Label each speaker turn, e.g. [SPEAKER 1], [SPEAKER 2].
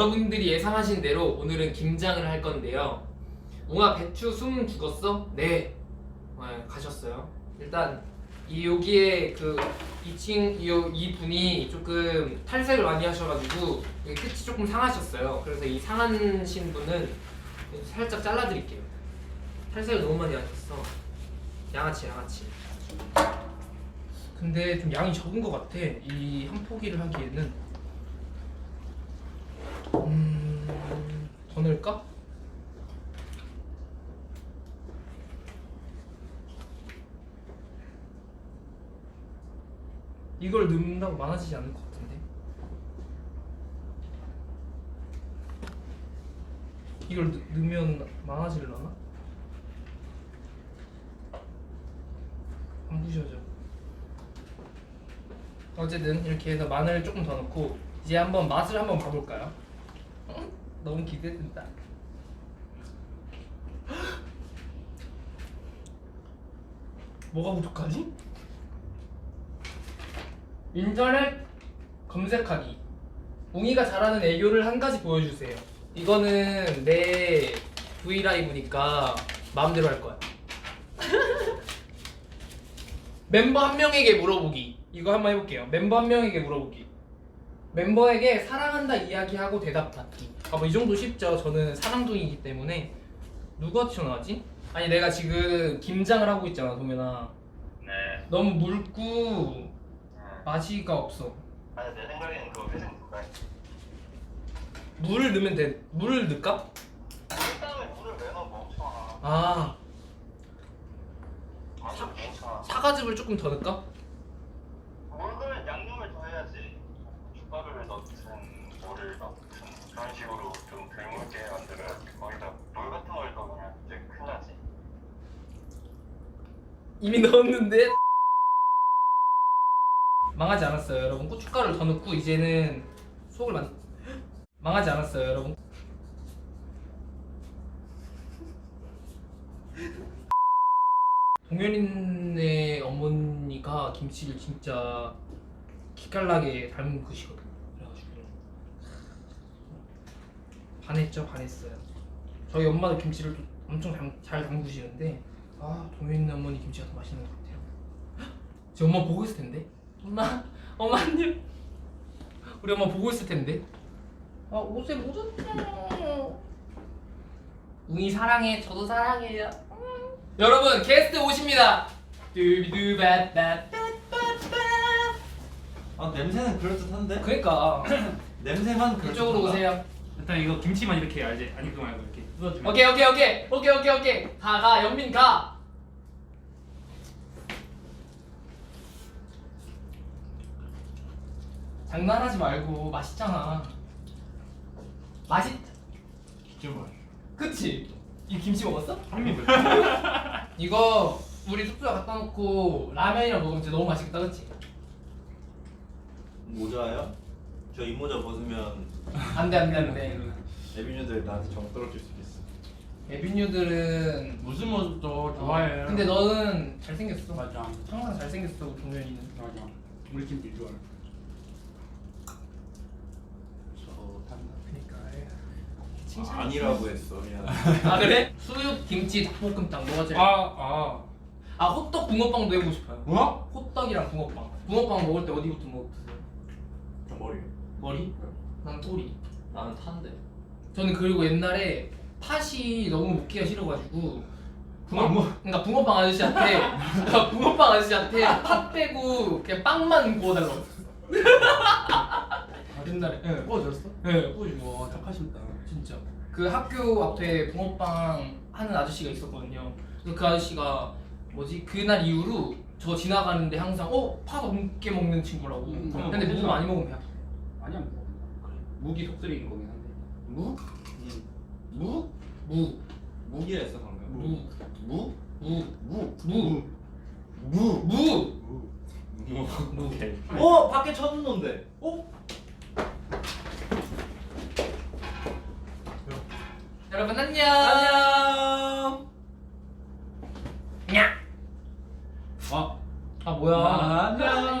[SPEAKER 1] 여러분들이 예상하신 대로 오늘은 김장을 할 건데요. 웅아 배추 숨 죽었어? 네. 네, 가셨어요. 일단 여기에 그 2층 이 분이 조금 탈색을 많이 하셔가지고 여기 끝이 조금 상하셨어요. 그래서 이 상하신 분은 살짝 잘라드릴게요. 탈색을 너무 많이 하셨어. 양아치. 근데 좀 양이 적은 것 같아. 이 한 포기를 하기에는 더 넣을까? 이걸 넣는다고 많아지지 않을 것 같은데. 이걸 넣으면 많아지려나? 안 부셔져. 어쨌든 이렇게 해서 마늘 조금 더 넣고 이제 한번 맛을 한번 봐볼까요? 너무 기대된다. 뭐가 부족하지? 인터넷 검색하기. 웅이가 잘하는 애교를 한 가지 보여주세요. 이거는 내 브이라이브니까 마음대로 할 거야. 멤버 한 명에게 물어보기. 이거 한번 해볼게요. 멤버 한 명에게 물어보기. 멤버에게 사랑한다 이야기하고 대답 받기. 뭐 이 정도 쉽죠. 저는 사랑둥이기 때문에. 누가 튀어나왔지? 아니 내가 지금 김장을 하고 있잖아 동현아.
[SPEAKER 2] 네.
[SPEAKER 1] 너무 묽고 맛이가 없어.
[SPEAKER 2] 아니 내 생각에는 그거 회생 누가 해?
[SPEAKER 1] 물을 넣으면 돼. 물을 넣을까?
[SPEAKER 2] 그 다음에 물을 왜 넣어 멍청아.
[SPEAKER 1] 아
[SPEAKER 2] 완전 멍청아.
[SPEAKER 1] 사과즙을 조금 더 넣을까?
[SPEAKER 2] 물을 양념을 더 해야지. 죽가루를 넣든 물을 넣든 그런 식으로 좀 덜 묽게 만들어야지. 거기다 물 같은 걸 넣으면 이제 큰일 나지.
[SPEAKER 1] 이미 넣었는데 망하지 않았어요 여러분. 고춧가루를 더 넣고 이제는 속을 망하지 않았어요 여러분. 동현이네 어머니가 김치를 진짜 기깔나게 담그시거든요. 그래가지고 반했어요. 저희 엄마도 김치를 또 엄청 잘 담그시는데 동현이네 어머니 김치가 더 맛있는 것 같아요. 제 엄마 보고 있을 텐데. 엄마 안녕. 우리 엄마 보고 있을 텐데. 옷에 묻었어. 웅이 사랑해. 저도 사랑해요. 여러분 게스트 오십니다.
[SPEAKER 3] 냄새는 그럴듯한데?
[SPEAKER 1] 그러니까
[SPEAKER 3] 냄새만 그럴듯한가?
[SPEAKER 1] 이쪽으로 오세요.
[SPEAKER 4] 일단 이거 김치만 이렇게 알지? 아니 그거 말고 이렇게 뜯어주면
[SPEAKER 1] 오케이. 가 연민 가. 장난하지 말고 맛있잖아.
[SPEAKER 4] 좀
[SPEAKER 1] 그치? 이 김치 먹었어?
[SPEAKER 4] 한입
[SPEAKER 1] 이거 우리 숙소에 갖다 놓고 라면이랑 먹으면 진짜 너무 맛있겠다, 그치?
[SPEAKER 3] 모자요? 저 이 모자 벗으면
[SPEAKER 1] 안돼.
[SPEAKER 3] 에비뉴들 나한테 정 떨어질 수도 있어.
[SPEAKER 1] 에비뉴들은
[SPEAKER 4] 무슨 모습도 좋아해.
[SPEAKER 1] 근데 너는 잘생겼어.
[SPEAKER 4] 맞아.
[SPEAKER 1] 항상 잘생겼어, 동현이는.
[SPEAKER 4] 맞아. 우리 팀들 좋아해.
[SPEAKER 3] 좋단다.
[SPEAKER 1] 그니까
[SPEAKER 3] 아니라고 했어. 미안.
[SPEAKER 1] 그래? 수육, 김치, 닭볶음탕 뭐가 제일 호떡 붕어빵도 해보고 싶어요.
[SPEAKER 4] 뭐?
[SPEAKER 1] 호떡이랑 붕어빵. 붕어빵 먹을 때 어디부터 먹으세요?
[SPEAKER 3] 저 머리.
[SPEAKER 1] 머리? 난 토리.
[SPEAKER 3] 나는 탄데.
[SPEAKER 1] 저는 그리고 옛날에 팥이 너무 먹기가 싫어가지고 그러니까 붕어빵 아저씨한테 팥 빼고 그냥 빵만 구워달라고 했어. 옛날에. 네.
[SPEAKER 4] 구워줬어?
[SPEAKER 1] 네, 구워주고.
[SPEAKER 4] 와 착하신다.
[SPEAKER 1] 진짜. 그 학교 앞에 붕어빵 하는 아저씨가 있었거든요. 그래서 그 아저씨가 그날 이후로 저 지나가는데 항상 팥 없게 먹는 친구라고. 근데 무 많이 먹으면 배 아파.
[SPEAKER 4] 아니야 뭐. 그래. 무기 속쓰리는 거긴 한데.
[SPEAKER 3] 무? 무?
[SPEAKER 1] 무.
[SPEAKER 3] 무기라 했어 방금.
[SPEAKER 1] 무.
[SPEAKER 3] 무?
[SPEAKER 1] 무.
[SPEAKER 3] 무.
[SPEAKER 1] 무.
[SPEAKER 3] 무.
[SPEAKER 1] 무.
[SPEAKER 3] 무.
[SPEAKER 1] 오케이.
[SPEAKER 3] 밖에 쳐둔던데.
[SPEAKER 1] 여러분 안녕. 냐.
[SPEAKER 4] 와.
[SPEAKER 1] 뭐야?
[SPEAKER 4] 안녕.